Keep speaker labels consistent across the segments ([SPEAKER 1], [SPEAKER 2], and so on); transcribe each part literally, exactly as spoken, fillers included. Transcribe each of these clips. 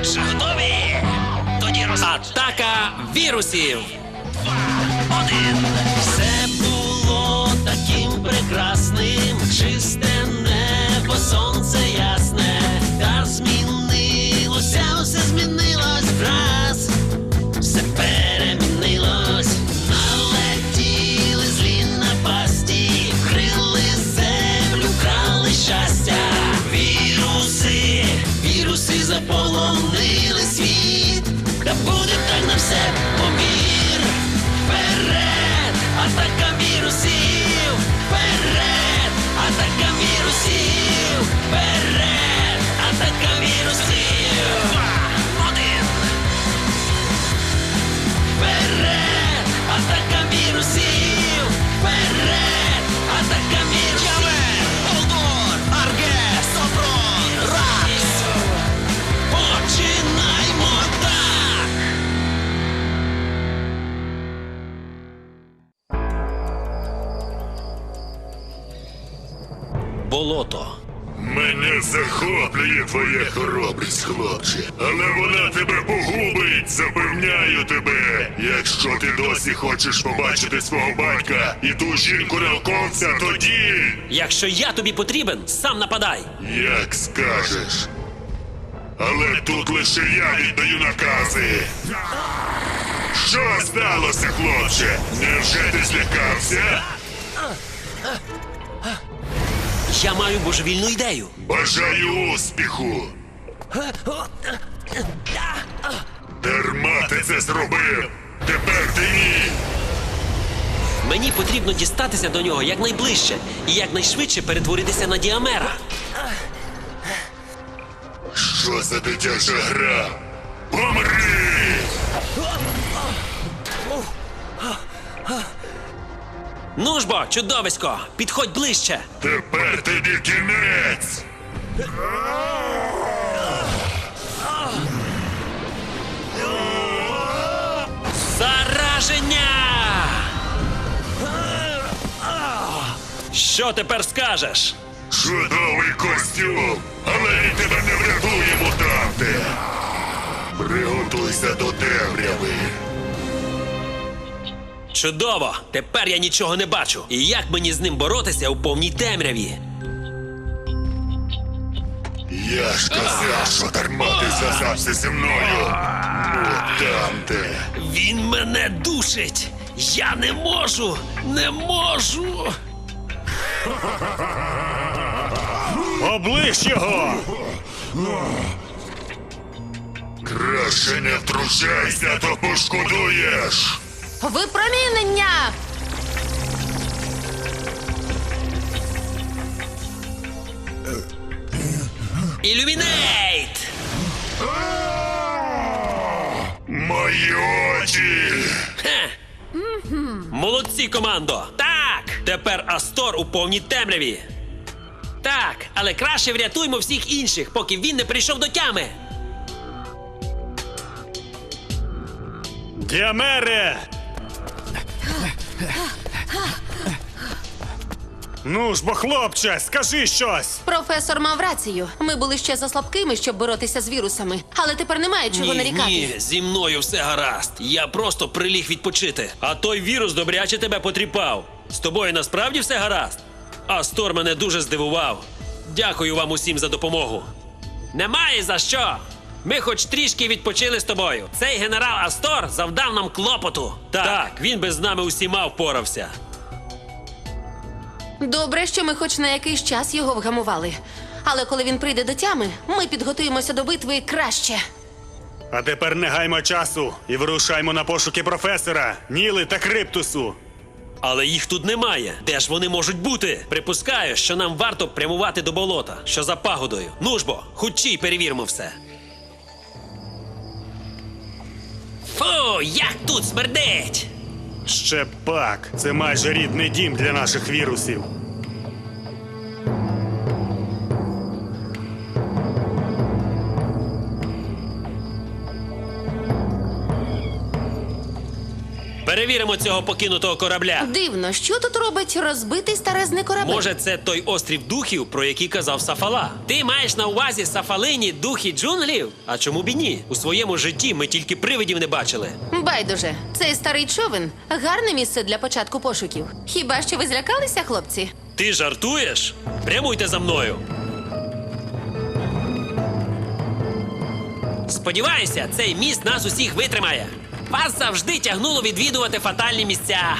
[SPEAKER 1] що, готові? Тоді роз... Атака вірусів! Два, один. Все було таким прекрасним, чисте небо, сонце ясне. Та змінилося, все змінилось враз. Все перемінилось. Налетіли злі напасті, вкрили землю, вкрали щастя. Віруси, віруси заполонили світ. Та буде так на все помір. Вперед, атака вірусів! Вперед, атака вірусів! Вперед, атака вірусів! Два, один. Вперед, атака вірусів! Вперед, атака вірусів! Явер, Олдор, Арге, Сопрон, Ракс! Починаймо так! Болото.
[SPEAKER 2] Мене захоплює твоя хоробрість, хлопче. Але вона тебе погубить, запевняю тебе. Якщо ти досі хочеш побачити свого батька і ту жінку-науковця, тоді...
[SPEAKER 1] Якщо я тобі потрібен, сам нападай.
[SPEAKER 2] Як скажеш. Але тут лише я віддаю накази. Що сталося, хлопче? Невже ти злякався?
[SPEAKER 1] Я маю божевільну ідею.
[SPEAKER 2] Бажаю успіху. Дарма ти це зробив. Тепер ти ні.
[SPEAKER 1] Мені потрібно дістатися до нього якнайближче і якнайшвидше перетворитися на Діамера.
[SPEAKER 2] Що за дитяча гра? Помри!
[SPEAKER 1] Ну ж бо, чудовисько, підходь ближче.
[SPEAKER 2] Тепер тобі кінець!
[SPEAKER 1] Зараження! Що тепер скажеш?
[SPEAKER 2] Чудовий костюм! Але він тебе не врятує, мутанте! Приготуйся до темряви!
[SPEAKER 1] Чудово! Тепер я нічого не бачу. І як мені з ним боротися у повній темряві?
[SPEAKER 2] Я ж казав, що дарма ти зв'язався зі мною! Мутанте!
[SPEAKER 1] Він мене душить! Я не можу! Не можу!
[SPEAKER 3] Оближ його!
[SPEAKER 2] Краще не втручайся, то пошкодуєш!
[SPEAKER 4] Випромінення!
[SPEAKER 1] Ілюмінейт!
[SPEAKER 2] Мої очі!
[SPEAKER 1] Хе! Молодці, командо! Так! Тепер Астор у повній темряві. Так, але краще врятуймо всіх інших, поки він не прийшов до тями.
[SPEAKER 3] Діамере! Ну ж бо, хлопче, скажи щось!
[SPEAKER 4] Професор мав рацію. Ми були ще заслабкими, щоб боротися з вірусами. Але тепер немає чого
[SPEAKER 1] Ні,
[SPEAKER 4] нарікати.
[SPEAKER 1] ні, зі мною все гаразд. Я просто приліг відпочити. А той вірус добряче тебе потріпав. З тобою насправді все гаразд? Астор мене дуже здивував. Дякую вам усім за допомогу. Немає за що. Ми хоч трішки відпочили з тобою. Цей генерал Астор завдав нам клопоту. Так, так, він би з нами усіма впорався.
[SPEAKER 4] Добре, що ми хоч на якийсь час його вгамували. Але коли він прийде до тями, ми підготуємося до битви краще.
[SPEAKER 3] А тепер не гаймо часу і вирушаймо на пошуки професора, Ніли та Криптусу.
[SPEAKER 1] Але їх тут немає. Де ж вони можуть бути? Припускаю, що нам варто прямувати до болота, що за пагодою. Ну ж бо, хутчій перевіримо все. Фу, як тут смердить!
[SPEAKER 3] Ще пак, це майже рідний дім для наших вірусів.
[SPEAKER 1] перевіримо цього покинутого корабля.
[SPEAKER 4] Дивно, що тут робить розбитий старезний корабель?
[SPEAKER 1] Може, це той острів духів, про який казав Сафала? Ти маєш на увазі Сафалині духи джунглів? А чому б і ні? У своєму житті ми тільки привидів не бачили.
[SPEAKER 4] Байдуже, цей старий човен – гарне місце для початку пошуків. Хіба що ви злякалися, хлопці?
[SPEAKER 1] Ти жартуєш? Прямуйте за мною. Сподіваюся, цей міст нас усіх витримає. Вас завжди тягнуло відвідувати фатальні місця.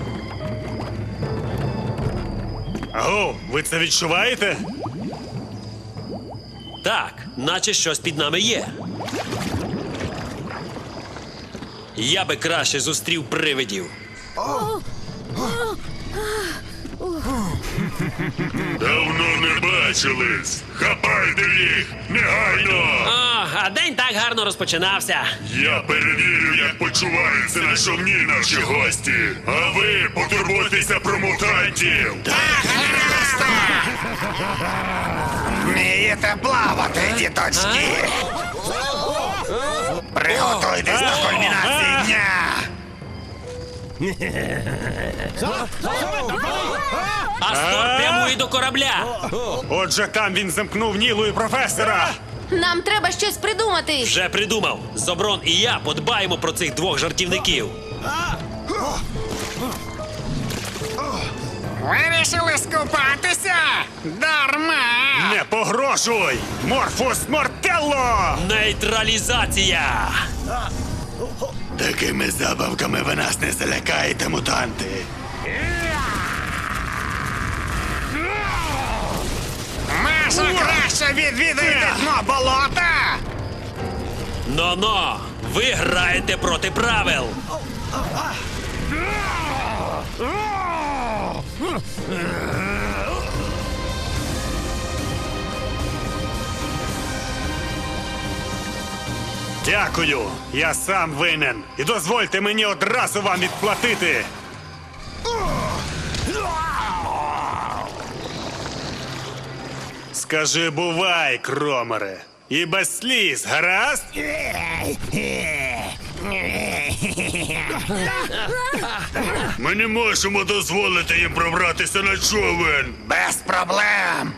[SPEAKER 3] Аго, ви це відчуваєте?
[SPEAKER 1] Так, наче щось під нами є. Я би краще зустрів привидів.
[SPEAKER 2] Давно не бачились. Хапайте їх! Негайно!
[SPEAKER 1] О, а день так гарно розпочинався.
[SPEAKER 2] Я перевірю, як почуваються на човні наші гості. А ви потурбуйтеся про мутантів.
[SPEAKER 5] Вмієте плавати, діточки. Приготуйтесь до кульмінації дня.
[SPEAKER 1] Астор прямує до корабля.
[SPEAKER 3] Отже, там він замкнув Нілу і професора.
[SPEAKER 4] Нам треба щось придумати.
[SPEAKER 1] Вже придумав. Зоброн і я подбаємо про цих двох жартівників.
[SPEAKER 5] Вирішили скупатися? Дарма!
[SPEAKER 3] Не погрожуй! Морфус Мортелло!
[SPEAKER 1] Нейтралізація!
[SPEAKER 3] Такими забавками ви нас не залякаєте, мутанти.
[SPEAKER 5] Може, краще відвідуйте дно болота?
[SPEAKER 1] Но-но! Ви граєте проти правил.
[SPEAKER 3] Дякую, я сам винен. І дозвольте мені одразу вам відплатити. Скажи бувай, кромере. І без сліз, гаразд?
[SPEAKER 2] Ми не можемо дозволити їм пробратися на човен.
[SPEAKER 5] Без проблем.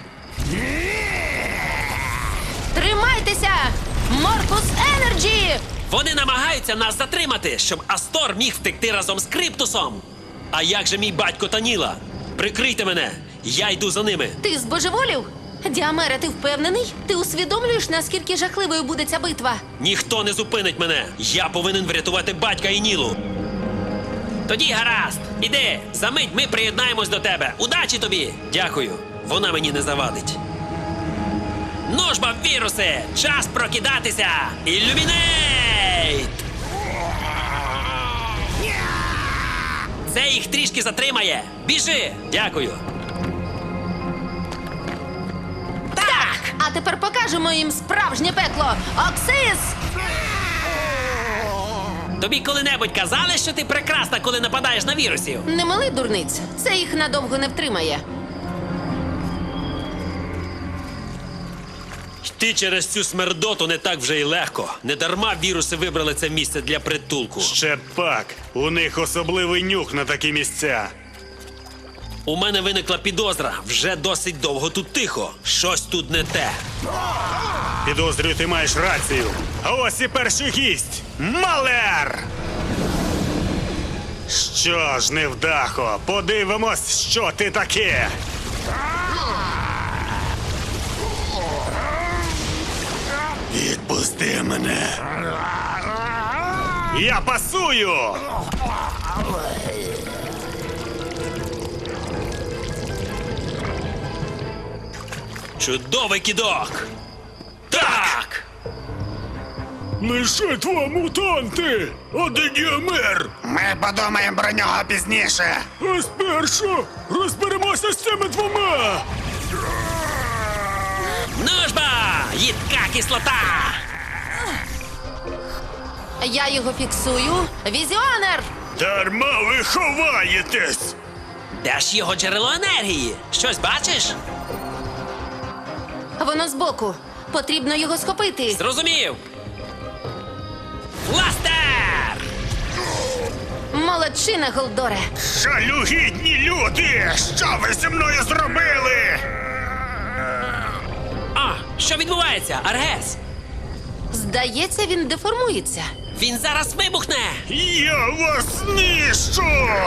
[SPEAKER 4] Тримайтеся! Морфус Енерджі!
[SPEAKER 1] Вони намагаються нас затримати, щоб Астор міг втекти разом з Криптусом. А як же мій батько та Ніла? Прикрийте мене, я йду за ними.
[SPEAKER 4] Ти збожеволів? Діамере, ти впевнений? Ти усвідомлюєш, наскільки жахливою буде ця битва?
[SPEAKER 1] Ніхто не зупинить мене. Я повинен врятувати батька і Нілу. Тоді гаразд. Іди, за мить ми приєднаємось до тебе. Удачі тобі! Дякую. Вона мені не завадить. Ну ж бо, віруси! Час прокидатися! Ілюмінейт! Це їх трішки затримає. Біжи! Дякую.
[SPEAKER 4] Так! А тепер покажемо їм справжнє пекло! Оксис!
[SPEAKER 1] Тобі коли-небудь казали, що ти прекрасна, коли нападаєш на вірусів?
[SPEAKER 4] Не мали дурниць. Це їх надовго не втримає.
[SPEAKER 1] Йти через цю смердоту не так вже й легко. Недарма віруси вибрали це місце для притулку.
[SPEAKER 3] Ще пак. У них особливий нюх на такі місця.
[SPEAKER 1] У мене виникла підозра. Вже досить довго тут тихо. Щось тут не те.
[SPEAKER 3] Підозрюю, ти маєш рацію. А ось і перший гість. Малер! Що ж, невдахо, подивимось, що ти таке. Відпусти мене. Я пасую!
[SPEAKER 1] Чудовий кидок! Так!
[SPEAKER 3] Лише два мутанти! Один Діамер!
[SPEAKER 5] Ми подумаємо про нього пізніше.
[SPEAKER 3] А спершу розберемося з цими двома!
[SPEAKER 1] Ну ж ба! Їдка кислота!
[SPEAKER 4] Я його фіксую. Візіонер!
[SPEAKER 3] Дарма ви ховаєтесь!
[SPEAKER 1] Де ж його джерело енергії? Щось бачиш?
[SPEAKER 4] Воно збоку. Потрібно його схопити.
[SPEAKER 1] Зрозумів! Бластер!
[SPEAKER 4] Молодчина, Голдоре.
[SPEAKER 5] Жалюгідні люди! Що ви зі мною зробили?
[SPEAKER 1] А, що відбувається, Аргес?
[SPEAKER 4] Здається, він деформується.
[SPEAKER 1] Він зараз вибухне!
[SPEAKER 2] Я вас знищу!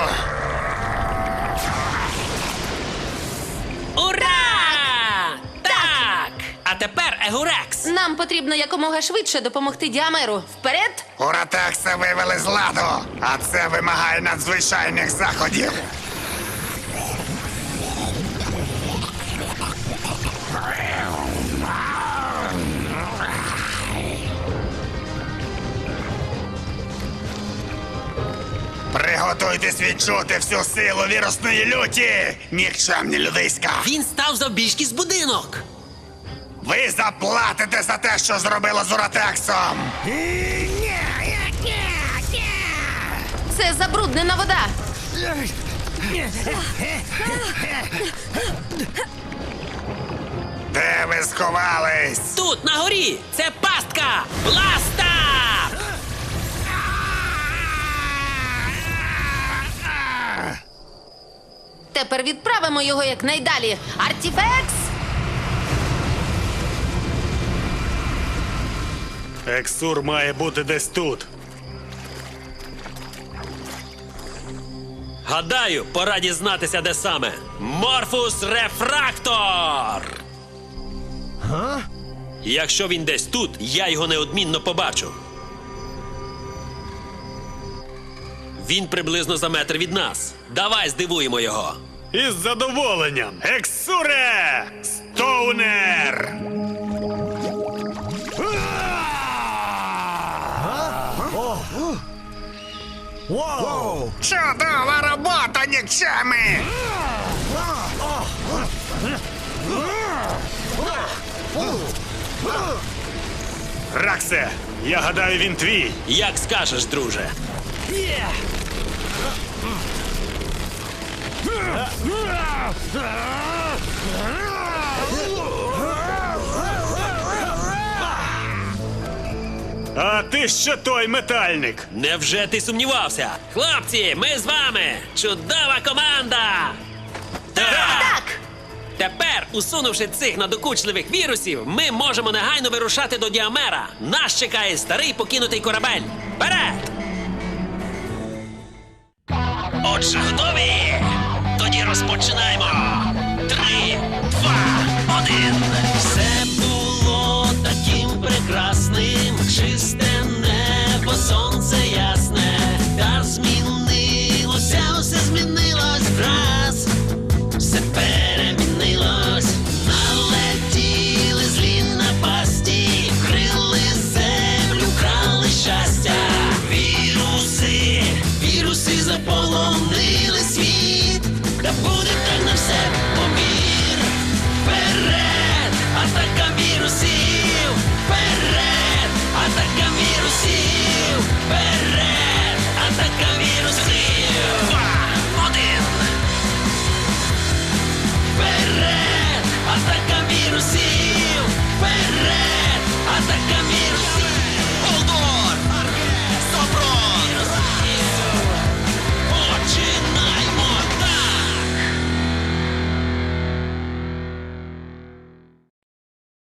[SPEAKER 1] Ура! Так! А тепер Егурекс!
[SPEAKER 4] Нам потрібно якомога швидше допомогти Діамеру. Вперед!
[SPEAKER 5] Уратекса вивели з ладу, а це вимагає надзвичайних заходів. Приготуйтесь відчути всю силу вірусної люті, нікчемні людиська.
[SPEAKER 1] Він став завбільшки з будинок!
[SPEAKER 5] Ви заплатите за те, що зробило з Уратексом.
[SPEAKER 4] Це забруднена вода.
[SPEAKER 5] Де ви сховались?
[SPEAKER 1] Тут, на горі! Це пастка! Бласта!
[SPEAKER 4] Тепер відправимо його якнайдалі. Артіфекс!
[SPEAKER 3] Ексур має бути десь тут.
[SPEAKER 1] Гадаю, пора дізнатися, де саме. Морфус Рефрактор! Га? Якщо він десь тут, я його неодмінно побачу. Він приблизно за метр від нас. Давай здивуємо його.
[SPEAKER 3] Із задоволенням. Ексуре! Стоунер!
[SPEAKER 5] Чудова робота, нікчеми!
[SPEAKER 3] Раксе, я гадаю, він твій.
[SPEAKER 1] Як скажеш, друже.
[SPEAKER 3] А ти що той метальник?
[SPEAKER 1] Невже ти сумнівався? Хлопці, ми з вами! Чудова команда! Так!
[SPEAKER 4] Так!
[SPEAKER 1] Тепер, усунувши цих надокучливих вірусів, ми можемо негайно вирушати до Діамера. Нас чекає старий покинутий корабель. Вперед! Отже, готові? Тоді розпочинаємо. Три, два, один. Все було таким прекрасним, чисте небо, сонце ясне. Та змінилося, все змінилось враз. Все перемінилось, налетіли злі напасті, вкрили землю, крали щастя. Віруси, віруси заповнили